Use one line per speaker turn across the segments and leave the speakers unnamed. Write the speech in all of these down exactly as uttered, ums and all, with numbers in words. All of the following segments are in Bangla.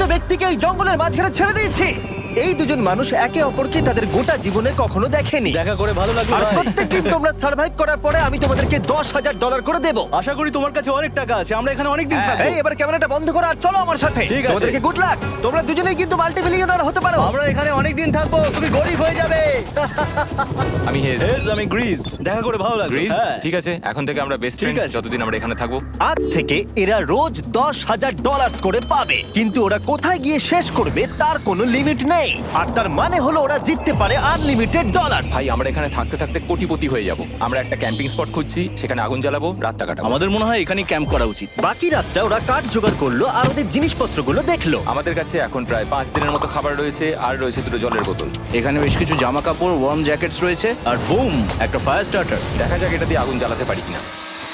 ব্যক্তিকে এই জঙ্গলের মাঝখানে ছেড়ে দিয়েছি। এই দুজন মানুষ একে অপরকে তাদের গোটা জীবনে কখনো দেখেনি।
দেখা করে ভালো লাগলো
আর
ভাই।
প্রত্যেকদিন তোমরা সার্ভাইভ করার পরে আমি তোমাদেরকে দশ হাজার ডলার করে দেবো।
আশা করি তোমার কাছে অনেক টাকা আছে, আমরা এখানে অনেক দিন থাকবো।
এই এবার ক্যামেরাটা বন্ধ করো আর চলো আমার সাথে।
ঠিক আছে।
তোমাদেরকে গুড লাক। তোমরা দুজনেই কিন্তু মাল্টি মিলিয়নার হতে পারো।
আমরা এখানে অনেক দিন থাকবো, তুমি গরিব হয়ে যাবে।
আমি হেজ
হেজ, আমি গ্রিস। দেখা করে ভালো লাগলো।
গ্রিস
হ্যাঁ।
ঠিক আছে, এখন থেকে আমরা বেস্ট
ঠিক
ফ্রেন্ড
আছে।
যতদিন আমরা এখানে থাকবো।
আজ থেকে এরা রোজ দশ হাজার ডলার করে পাবে, কিন্তু ওরা কোথায় গিয়ে শেষ করবে তার কোনো লিমিট নেই। আর তার মানে হলো ওরা জিততে পারে আনলিমিটেড ডলার।
ভাই আমরা এখানে থাকতে থাকতে কোটিপতি হয়ে যাব। আমরা একটা ক্যাম্পিং স্পট খুঁজছি, সেখানে আগুন জ্বালাবো, রাতটা কাটাবো।
আমাদের মনে হয় এখানেই ক্যাম্প করা উচিত।
বাকি রাতটা ওরা কাঠ জোগাড় করলো আর ওদের জিনিসপত্রগুলো দেখলো।
আমাদের কাছে এখন প্রায় পাঁচ দিনের মতো খাবার রয়েছে, আর রয়েছে দুটো জলের বোতল।
এখানে বেশ কিছু জামা কাপড়, ওয়ার্ম জ্যাকেটস রয়েছে, আর বুম, একটা ফায়ার স্টার্টার।
দেখা যাক এটা দিয়ে আগুন জ্বালাতে পারি কিনা।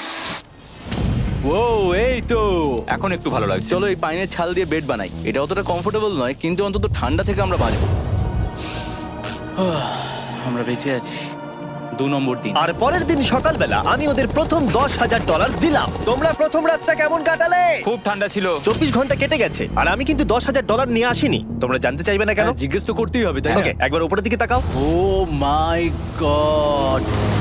ও এই তো।
এখন একটু ভালো লাগছে।
চলো এই পাইনের ছাল দিয়ে বেড বানাই। এটা অতটা কমফোর্টেবল নয়, কিন্তু অন্তত ঠান্ডা থেকে আমরা বাঁচবো। আমরা বেঁচে আছি। দু নম্বর দিন।
আর পরের দিন সকালবেলা আমি ওদের প্রথম দশ হাজার ডলার দিলাম। তোমরা প্রথম রাতটা কেমন কাটালে?
খুব ঠান্ডা ছিল।
চব্বিশ ঘন্টা কেটে গেছে আর আমি কিন্তু দশ হাজার ডলার নিয়ে আসিনি। তোমরা জানতে চাইবে না কেন?
হ্যাঁ, জিজ্ঞেস তো করতেই হবে, তাই না?
ওকে, একবার উপরের দিকে তাকাও।
Oh my god.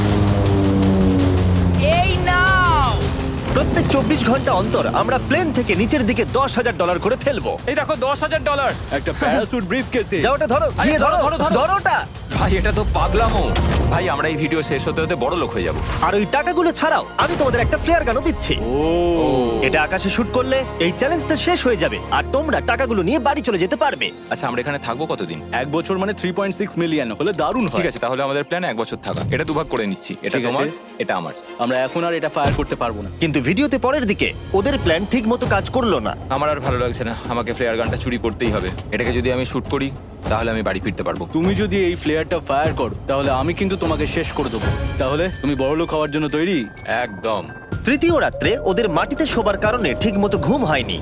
প্রত্যেক চব্বিশ ঘন্টা অন্তর আমরা প্লেন থেকে নিচের দিকে দশ হাজার ডলার করে ফেলবো।
এই দেখো দশ হাজার ডলার।
একটা প্যারাসুট ব্রিফ কেসে।
যা ওটা ধরো, গিয়ে ধরো,
ধরো, ধরো।
ধরো ওটা।
ভাই এটা তো পাগলামো। ভাই আমরা এই ভিডিও শেষ হতে হতে বড় লোক হয়ে যাব।
আর ওই টাকাগুলো ছাড়াও আমি তোমাদের একটা ফ্লেয়ার গানও দিচ্ছি।
ও
এটা আকাশে শুট করলে এই চ্যালেঞ্জটা শেষ হয়ে যাবে আর তোমরা টাকাগুলো নিয়ে বাড়ি চলে যেতে পারবে।
আচ্ছা আমরা এখানে থাকবো কতদিন?
এক বছর মানে থ্রি পয়েন্ট সিক্স মিলিয়ন হলে দারুণ হয়।
ঠিক আছে, তাহলে আমাদের প্ল্যান এক বছর থাকা। এটা দুভাগ করে নিচ্ছি, এটা
ঠিক আছে।
তোমার, এটা আমার।
আমরা এখন আর এটা ফায়ার করতে পারবো না।
কিন্তু ভিডিওতে পরের দিকে ওদের প্ল্যান ঠিক মতো কাজ করলো না।
আমার আর ভালো লাগছে না, আমাকে ফ্লেয়ার গানটা চুরি করতেই হবে। এটাকে যদি আমি শুট করি তাহলে আমি বাড়ি ফিরতে পারবো।
তুমি যদি এই ফ্লেয়ারটা ফায়ার করো তাহলে আমি কিন্তু তোমাকে শেষ করে দেবো। তাহলে তুমি বড়লোক হওয়ার জন্য তৈরি?
একদম।
তৃতীয় রাত্রে ওদের মাটিতে শোবার কারণে ঠিক মতো ঘুম হয়নি।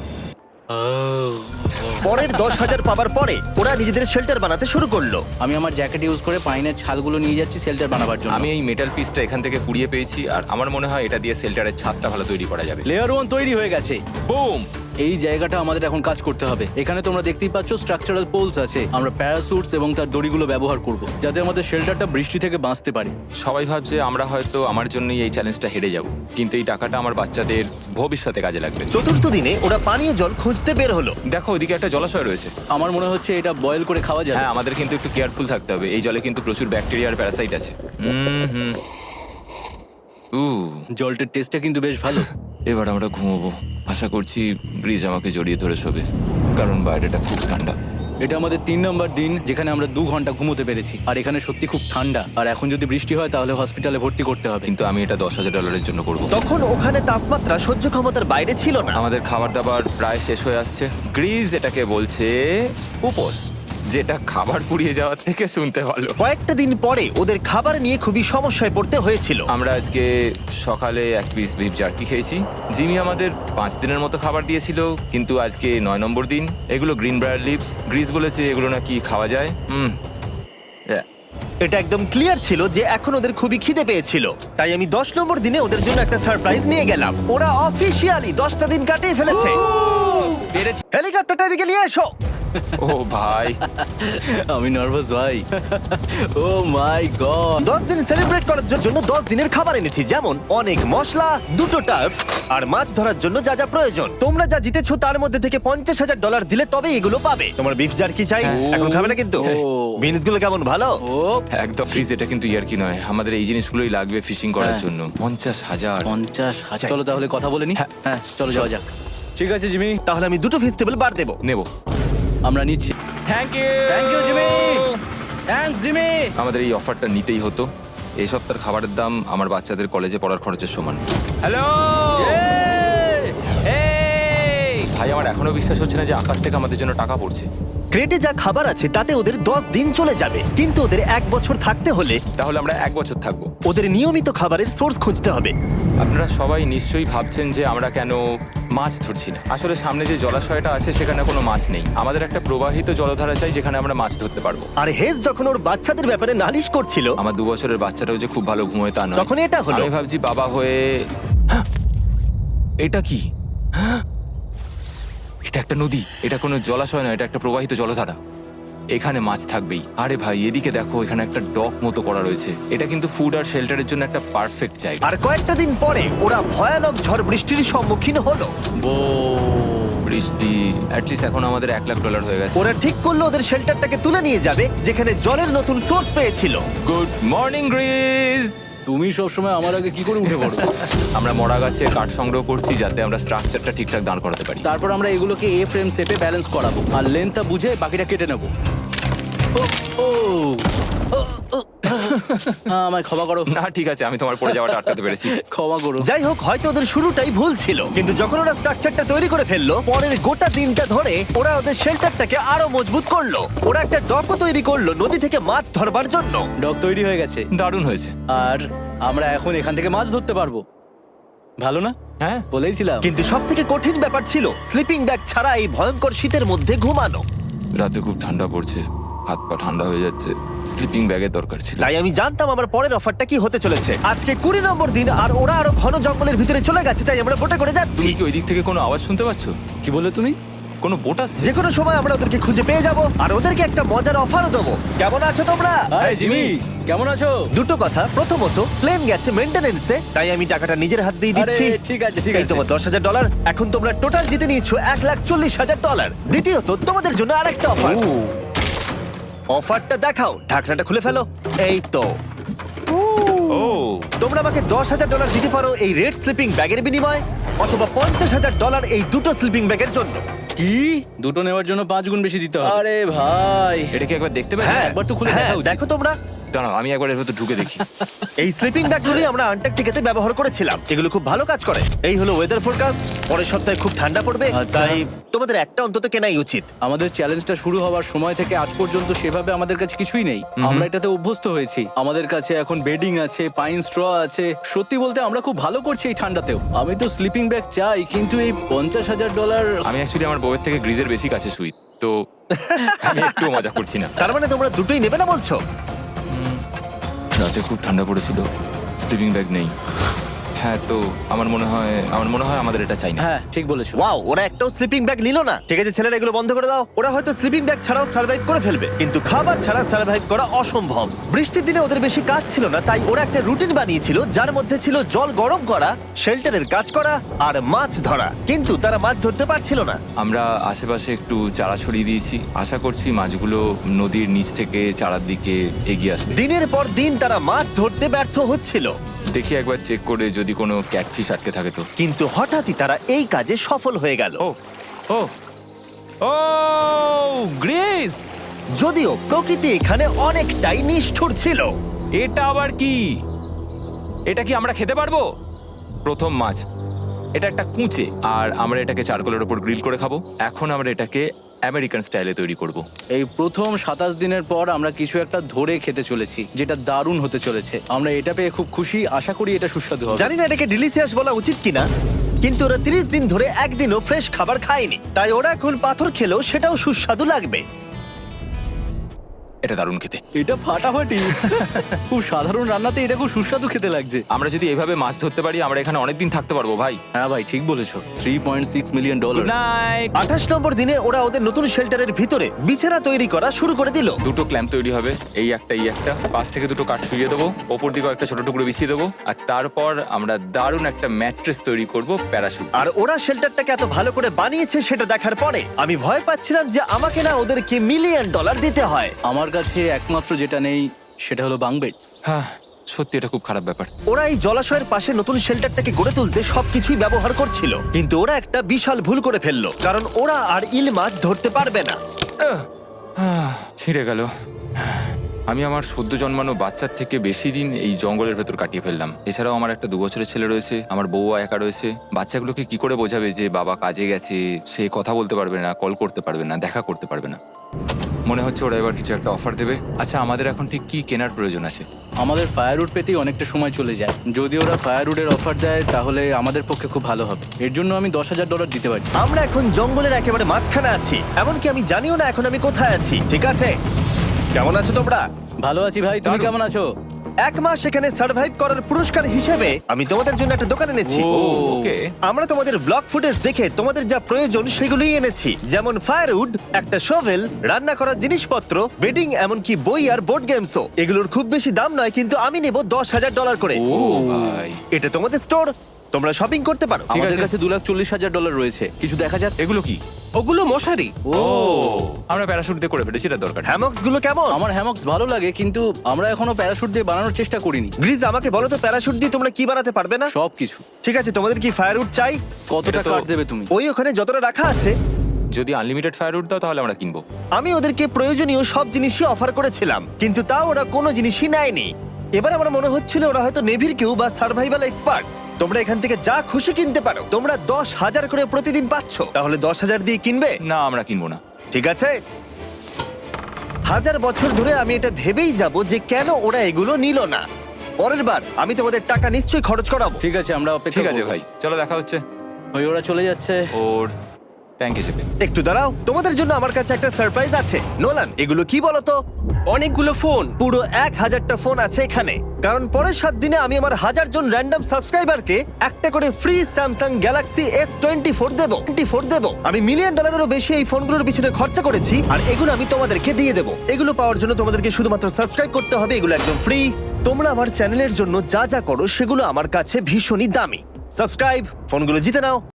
পরের দশ হাজার পাবার পরে ওরা নিজেদের শেল্টার বানাতে শুরু করলো।
আমি আমার জ্যাকেট ইউজ করে পাইনের ছালগুলো নিয়ে যাচ্ছি শেল্টার বানাবার জন্য।
আমি এই মেটাল পিসটা এখান থেকে কুড়িয়ে পেয়েছি, আর আমার মনে হয় এটা দিয়ে শেল্টারের ছাদটা ভালো তৈরি করা যাবে।
লেয়ার ওয়ান তৈরি হয়ে গেছে।
বুম।
এই জায়গাটা আমাদের এখন কাজ করতে হবে। এখানে তোমরা দেখতেই পাচ্ছ স্ট্রাকচারাল পোলস আছে। আমরা প্যারাসুটস এবং তার দড়িগুলো ব্যবহার করব যাতে আমাদের শেল্টারটা বৃষ্টি থেকে বাঁচতে পারে।
সবাই ভাবছে আমরা হয়তো আমার জন্যই এই চ্যালেঞ্জটা হেরে যাব, কিন্তু এই টাকাটা আমার বাচ্চাদের ভবিষ্যতে কাজে লাগবে।
চতুর্থ দিনে ওরা পানীয় জল খুঁজতে বের হলো।
দেখো ওদিকে একটা জলাশয় রয়েছে।
আমার মনে হচ্ছে এটা বয়েল করে খাওয়া যাবে।
হ্যাঁ, আমাদের কিন্তু একটু কেয়ারফুল থাকতে হবে। এই জলে কিন্তু প্রচুর ব্যাকটেরিয়া আর প্যারাসাইট আছে। হুম হুম উ
জলটার টেস্টটা কিন্তু বেশ ভালো।
এবার আমরা ঘুমোবো। আশা করছি ব্রিজ আমাকে জড়িয়ে ধরে শোবে, কারণ বাইরেটা খুব ঠান্ডা।
এটা আমাদের তিন নম্বর দিন যেখানে আমরা দু ঘন্টা ঘুমোতে পেরেছি। আর এখানে সত্যি খুব ঠান্ডা। আর এখন যদি বৃষ্টি হয় তাহলে হসপিটালে ভর্তি করতে হবে।
কিন্তু আমি এটা দশ হাজার ডলারের জন্য করবো।
তখন ওখানে তাপমাত্রা সহ্য ক্ষমতার বাইরে ছিল না।
আমাদের খাবার দাবার প্রায় শেষ হয়ে আসছে। গ্রিজ এটাকে বলছে উপোস, যেটা খাবার পুড়িয়ে যাওয়ার থেকে শুনতে ভালো।
কয়েকটা দিন পরে ওদের খাবার নিয়ে খুবই সমস্যায় পড়তে হয়েছিল।
আমরা আজকে সকালে এক পিস বিফ জার্কি খেয়েছি। জিমি আমাদের পাঁচ দিনের মতো খাবার দিয়েছিল, কিন্তু আজকে নয় নম্বর দিন। এগুলো গ্রিন ব্রায়ার লিভস। গ্রিজ বলেছে এগুলো নাকি খাওয়া যায়। হুম
এটা একদম ক্লিয়ার ছিল যে এখন ওদের খুবই খিদে পেয়েছিল। তাই আমি দশ নম্বর দিনে ওদের জন্য একটা সারপ্রাইজ নিয়ে গেলাম। ওরা অফিসিয়ালি দশটা দিন কাটিয়ে ফেলেছে।
পেরেছি।
হেলিকপ্টারটা এদিকে নিয়ে এসো।
ও ভাই,
আমি নার্ভাস ভাই। Oh my god.
দশ দিন সেলিব্রেট করার জন্য দশ দিনের খাবার এনেছি, যেমন অনেক মশলা, দুটো টার্ফ আর মাছ ধরার জন্য যা যা প্রয়োজন। তোমরা যা জিতেছো তার মধ্যে থেকে পঞ্চাশ হাজার ডলার দিলে তবে এগুলো পাবে। তোমার বিফ জার্কি চাই? এখন খাবে না কিন্তু?
ও।
বিনস গুলো কেমন ভালো?
ও
একদম। গ্রিজ এটা কিন্তু ইয়ার কি নয়, আমাদের এই জিনিসগুলোই লাগবে ফিশিং করার
হ্যাঁ।
জন্য। পঞ্চাশ হাজার।
পঞ্চাশ হাজার। চলো তাহলে কথা বলে নি। হ্যাঁ চলো যাওয়া যাক। ঠিক আছে জিমি,
তাহলে আমি দুটো ভেজিটেবল বার দেবো।
নেব।
আমরা নিচ্ছি।
Thank you.
Thank you Jimmy. Thanks Jimmy.
আমাদের এই অফারটা নিতেই হতো। এই সপ্তাহের খাবারের দাম আমার বাচ্চাদের কলেজে পড়ার খরচের সমান। হ্যালো ভাই, আমার এখনো বিশ্বাস হচ্ছে না যে আকাশ থেকে আমাদের জন্য টাকা পড়ছে।
ক্রেটে যা খাবার আছে তাতে ওদের দশ দিন চলে যাবে, কিন্তু ওদের এক বছর থাকতে হলে
তাহলে আমরা এক বছর থাকবো।
ওদের নিয়মিত খাবারের সোর্স খুঁজতে হবে।
আপনারা সবাই নিশ্চয়ই ভাবছেন যে আমরা কেন মাছ ধরছি না। আসলে সামনে যে জলাশয়টা আছে সেখানে কোনো মাছ নেই। আমাদের একটা প্রবাহিত জলধারা চাই যেখানে আমরা মাছ ধরতে পারবো।
আর হেজ যখন ওর বাচ্চাদের ব্যাপারে নালিশ করছিল,
আমার দু বছরের বাচ্চাটাও যে খুব ভালো ঘুমোয় তা নয়।
তখন এটা হলো।
আমি ভাবছি বাবা হয়ে, এটা কি? এটা একটা নদী, এটা কোনো জলাশয় নয়, এটা একটা প্রবাহিত জলধারা। এখানে মাছ থাকবেই। আরে ভাই, এদিকে দেখো, এখানে একটা ডক মতো করা রয়েছে। এটা কিন্তু ফুড আর শেল্টারের জন্য একটা পারফেক্ট জায়গা।
আর কয়েকটা দিন পরে ওরা ভয়ানক ঝড় বৃষ্টির সম্মুখীন হলো।
ও
বৃষ্টি অ্যাটলিস্ট এখন আমাদের এক লাখ ডলার হয়ে গেছে।
ওরা ঠিক করলো ওদের শেল্টারটাকে তুলে নিয়ে যাবে, যেখানে জলের নতুন সোর্স পেয়েছিল।
Good morning Griz.
তুমি সবসময় আমার আগে কি করে উঠে পড়ো?
আমরা মরা গাছে কাঠ সংগ্রহ করছি যাতে আমরা স্ট্রাকচারটা ঠিকঠাক দাঁড় করাতে পারি।
তারপর আমরা এগুলোকে এ ফ্রেম শেপে ব্যালেন্স করাবো আর লেন্থটা বুঝে বাকিটা কেটে নেবো। ও ও ও, ও। আহ, আমায় ক্ষমা করো।
না ঠিক আছে, আমি তোমার পড়ে যাওয়াটা আটকাতে পেরেছি।
ক্ষমা করো।
যাই হোক, হয়তো ওদের শুরুটাই ভুল ছিল, কিন্তু যখন ওরা স্ট্রাকচারটা তৈরি করে ফেললো, পরের গোটা দিনটা ধরে ওরা ওদের শেল্টারটাকে আরো মজবুত করলো। ওরা একটা ডকও তৈরি করলো নদী থেকে মাছ ধরবার জন্য।
ডক তৈরি হয়ে গেছে
দারুণ হয়েছে।
আর আমরা এখন এখান থেকে মাছ ধরতে পারবো। ভালো না?
হ্যাঁ,
বলেইছিলাম।
কিন্তু সব থেকে কঠিন ব্যাপার ছিল স্লিপিং ব্যাগ ছাড়া এই ভয়ঙ্কর শীতের মধ্যে ঘুমানো।
রাতে খুব ঠান্ডা পড়ছে, হাত পা ঠান্ডা হয়ে যাচ্ছে। স্লিপিং ব্যাগের দরকার ছিল।
তাই আমি জানতাম আমার পরের অফারটা কি হতে চলেছে। আজকে কুড়ি নম্বর দিন, আর ওরা আরো ঘন জঙ্গলের ভিতরে চলে গেছে, তাই আমরা বোটে করে যাচ্ছি।
তুমি কি ওই দিক থেকে কোনো আওয়াজ শুনতে পাচ্ছ?
কি বলে তুমি?
কোনো বোট আসছে?
যে কোনো সময় আমরা ওদেরকে খুঁজে পেয়ে যাব, আর ওদেরকে একটা মজার অফারও দেবো। কেমন আছো তোমরা?
আরে জিমি, কেমন আছো?
দুটো কথা, প্রথমত প্লেন গেছে মেইনটেনেন্সে, তাই আমি টাকাটা নিজের হাত দিয়ে
আরে
দিচ্ছি।
ঠিক আছে ঠিক
এই
আছে।
তোমার দশ হাজার ডলার। এখন তোমরা টোটাল জিতে নিয়েছো এক লাখ চল্লিশ হাজার ডলার। দ্বিতীয়ত তোমাদের জন্য আরেকটা অফার।
ও,
অফারটা দেখাও, ঢাকনাটা খুলে ফেলো। এই তো,
ও
তোমরা আমাকে দশ হাজার ডলার দিতে পারো এই রেড স্লিপিং ব্যাগের বিনিময়ে, অথবা পঞ্চাশ হাজার ডলার এই দুটো স্লিপিং ব্যাগের জন্য।
কি? দুটো নেওয়ার জন্য পাঁচ গুণ বেশি দিতে হবে? আরে ভাই,
এটা কি একবার দেখতে পাবে?
হ্যাঁ,
একবার তো খুলে
হ্যাঁ,
দেখা উচিত।
দেখো তোমরা।
দাঁড়াও, আমি একবার এর ভেতর ঢুকে দেখি।
এই স্লিপিং ব্যাগগুলি আমরা আন্টার্কটিকাতে ব্যবহার করেছিলাম। এগুলো খুব ভালো কাজ করে। এই হলো ওয়েদার ফোরকাস্ট। পরের সপ্তাহে খুব ঠান্ডা পড়বে,
আচ্ছা।
তাই তোমাদের একটা অন্তত কেনাই উচিত।
আমাদের চ্যালেঞ্জটা শুরু হওয়ার সময় থেকে আজ পর্যন্ত সেভাবে আমাদের কাছে কিছুই নেই। আমরা এটাতে অভ্যস্ত হয়েছি। আমাদের কাছে এখন বেডিং আছে, পাইন স্ট্র আছে। সত্যি বলতে আমরা খুব ভালো করছি এই ঠান্ডাতেও। আমি তো স্লিপিং ব্যাগ চাই, কিন্তু এই পঞ্চাশ হাজার ডলার।
আমি অ্যাকচুয়ালি আমার বউয়ের থেকে গ্রিজের বেশি কাছে শুই, তো আমি একটু মজা করছি না।
তার মানে তোমরা দুটোই নেবে না বলছো?
রাতে খুব ঠান্ডা পড়েছিল, স্লিপিং ব্যাগ নেই। হ্যাঁ, তো আমার মনে হয় আমার মনে হয় আমাদের এটা চাই না।
হ্যাঁ ঠিক বলেছো।
ওয়াও, ওরা একটাও স্লিপিং ব্যাগ নিল না। ঠিক আছে ছেলেরা, এগুলো বন্ধ করে দাও। ওরা হয়তো স্লিপিং ব্যাগ ছাড়াও সার্ভাইভ করে ফেলবে, কিন্তু খাবার ছাড়া সার্ভাইভ করা অসম্ভব। বৃষ্টির দিনে ওদের বেশি কাজ ছিল না, তাই ওরা একটা রুটিন বানিয়েছিল যার মধ্যে ছিল জল গরম করা, শেল্টারের কাজ করা আর মাছ ধরা। কিন্তু তারা মাছ ধরতে পারছিল না।
আমরা আশেপাশে একটু চারা ছড়িয়ে দিয়েছি, আশা করছি মাছগুলো নদীর নিচ থেকে চারার দিকে এগিয়ে আসবে।
দিনের পর দিন তারা মাছ ধরতে ব্যর্থ হচ্ছিল,
দেখি একবার চেক করে যদি কোনো ক্যাটফিশ আটকে থাকে তো।
কিন্তু হঠাৎই তারা এই কাজে সফল হয়ে গেল।
ও ও ও গ্রেস,
যদিও প্রকৃতি এখানে অনেকটাই নিষ্ঠুর ছিল।
এটা আবার কি? এটা কি আমরা খেতে পারবো? প্রথম মাছ। এটা একটা কুঁচে, আর আমরা এটাকে চারকোলের উপর গ্রিল করে খাবো। এখন আমরা এটাকে আমেরিকান স্টাইলে তৈরি করব।
এই প্রথম সাতাশ দিনের পর আমরা কিছু একটা ধরে খেতে চলেছি, যেটা দারুণ হতে চলেছে। আমরা এটা পেয়ে খুব খুশি, আশা করি এটা সুস্বাদু হবে।
জানি না এটাকে ডিলিশিয়াস বলা উচিত কিনা, কিন্তু ওরা তিরিশ দিন ধরে একদিনও ফ্রেশ খাবার খায়নি, তাই ওরা এখন পাথর খেলেও সেটাও সুস্বাদু লাগবে।
এটা দারুণ খেতে।
এটা ফাটাফাটি। খুব সাধারণ রান্নাতে এটা খুব সুস্বাদু খেতে লাগছে।
আমরা যদি এভাবে মাছ ধরতে পারি, আমরা এখানে অনেকদিন থাকতে পারবো ভাই।
হ্যাঁ ভাই, ঠিক বলেছো। Three point six million dollar.
Good night.
আঠাশ নম্বর দিনে ওরা ওদের নতুন শেল্টারের ভিতরে বিছানা তৈরি করা শুরু করে দিল।
দুটো ক্ল্যাম্প তৈরি হবে, এই একটা এই একটা। পাশ থেকে দুটো কাঠ শুইয়ে দেবো, ওপর দিকে একটা ছোট টুকরো বিছিয়ে দেবো, আর তারপর আমরা দারুণ একটা ম্যাট্রেস তৈরি করব, প্যারাশুট।
আর ওরা শেল্টারটাকে এত ভালো করে বানিয়েছে সেটা দেখার পরে আমি ভয় পাচ্ছিলাম যে আমাকে না ওদেরকে মিলিয়ন ডলার দিতে হয়।
আমার কাছে একমাত্র যেটা নেই সেটা হলো বাঙ্ক বেডস।
হ্যাঁ, সত্যি এটা খুব খারাপ ব্যাপার।
ওরা এই জলাশয়ের পাশে নতুন শেল্টারটাকে গড়ে তুলতে সবকিছুই ব্যবহার করছিল, কিন্তু ওরা একটা বিশাল ভুল করে ফেললো, কারণ ওরা আর ইল মাছ ধরতে পারবে না।
আহ, আহ, ছিঁড়ে গেল। আমি আমার সদ্য জন্মানো বাচ্চার থেকে বেশি দিন এই জঙ্গলের ভেতর কাটিয়ে ফেললাম। এছাড়াও আমার একটা দু বছরের ছেলে রয়েছে, আমার বউ একা রয়েছে। বাচ্চাগুলোকে কি করে বোঝাবে যে বাবা কাজে গেছে? সে কথা বলতে পারবে না, কল করতে পারবে না, দেখা করতে পারবে না। মনে হচ্ছে ওরা এবার কিছু একটা অফার দেবে। আচ্ছা, আমাদের এখন ঠিক কি কেনার প্রয়োজন আছে?
আমাদের ফায়ারউড পেতেই অনেকটা সময় চলে যায়। যদি ওরা ফায়ারউডের অফার দেয় তাহলে আমাদের পক্ষে খুব ভালো হবে। এর জন্য আমি দশ হাজার ডলার দিতে পারি।
আমরা এখন জঙ্গলের একেবারে মাঝখানে আছি, এমনকি আমি জানিও না এখন আমি কোথায় আছি। ঠিক আছে, কেমন আছো তোমরা?
ভালো আছি ভাই, তুমি
দারুণ।
কেমন আছো?
এক মাস এখানে সার্ভাইভ করার পুরস্কার হিসেবে আমি তোমাদের জন্য একটা দোকান এনেছি
ও,
ওকে
আমরা তোমাদের ব্লগ ফুটেজ দেখে তোমাদের যা প্রয়োজন সেগুলোই এনেছি, যেমন ফায়ারউড, একটা শোভেল, রান্না করার জিনিসপত্র, বেডিং, এমনকি বই আর বোর্ড গেমসও। এগুলোর খুব বেশি দাম নয়, কিন্তু আমি নেব দশ হাজার ডলার করে।
ও ভাই,
এটা তোমাদের স্টোর, তোমরা শপিং করতে পারো।
ঠিক
আমাদের
আছে।
কাছে দু লাখ চল্লিশ হাজার ডলার রয়েছে, কিছু দেখা যাক।
এগুলো কি?
ওগুলো মশারি।
ও আমরা প্যারাশুট দিয়ে করে ফেলেছি, এটা দরকার নেই।
হ্যামক্স গুলো কেমন?
আমার হ্যামক্স ভালো লাগে, কিন্তু আমরা এখনো প্যারাশুট দিয়ে বানানোর চেষ্টা করিনি।
গ্রিজ, আমাকে বলো তো, প্যারাশুট দিয়ে তোমরা কি বানাতে পারবে না?
সবকিছু।
ঠিক আছে, তোমাদের কি ফায়ারউড চাই?
কতটা
এটা তো-
কাঠ দেবে তুমি?
ওই ওখানে যতটা রাখা আছে।
যদি আনলিমিটেড ফায়ারউড দাও তাহলে আমরা কিনবো।
আমি ওদেরকে প্রয়োজনীয় সব জিনিসই অফার করেছিলাম, কিন্তু তাও ওরা কোনো জিনিসই নেয়নি। এবার আমার মনে হচ্ছিল ওরা হয়তো নেভির কেউ বা সার্ভাইভাল এক্সপার্ট। তোমরা এখান থেকে যা খুশি কিনতে পারো। তোমরা দশ হাজার করে প্রতিদিন পাচ্ছ, তাহলে দশ হাজার দিয়ে কিনবে?
না, আমরা কিনবো না।
ঠিক আছে। হাজার বছর ধরে আমি এটা ভেবেই যাব যে কেন ওরা এগুলো নিল না। পরের বার আমি তোমাদের টাকা নিশ্চয়ই খরচ করাবো।
ঠিক আছে, আমরা অপেক্ষা
ঠিক আছে
করবো।
ভাই, চলো দেখা হচ্ছে।
ওই ওরা চলে যাচ্ছে।
ওর ট্যাঙ্ক হিসেবে।
একটু দাঁড়াও, তোমাদের জন্য আমার কাছে একটা সারপ্রাইজ আছে। নোলান, এগুলো কি বলো তো?
অনেকগুলো ফোন।
পুরো এক হাজারটা ফোন আছে এখানে, কারণ পরের সাত দিনে আমি আমার হাজার জন র্যান্ডম সাবস্ক্রাইবারকে একটা করে free Samsung Galaxy S twenty four দেবো টোয়েন্টি ফোর দেবো আমি মিলিয়ন ডলারেরও বেশি এই ফোনগুলোর পিছনে খরচা করেছি, আর এগুলো আমি তোমাদেরকে দিয়ে দেবো। এগুলো পাওয়ার জন্য তোমাদেরকে শুধুমাত্র সাবস্ক্রাইব করতে হবে, এগুলো একদম ফ্রি। তোমরা আমার চ্যানেলের জন্য যা যা করো সেগুলো আমার কাছে ভীষণই দামি। সাবস্ক্রাইব, ফোনগুলো জিতে নাও।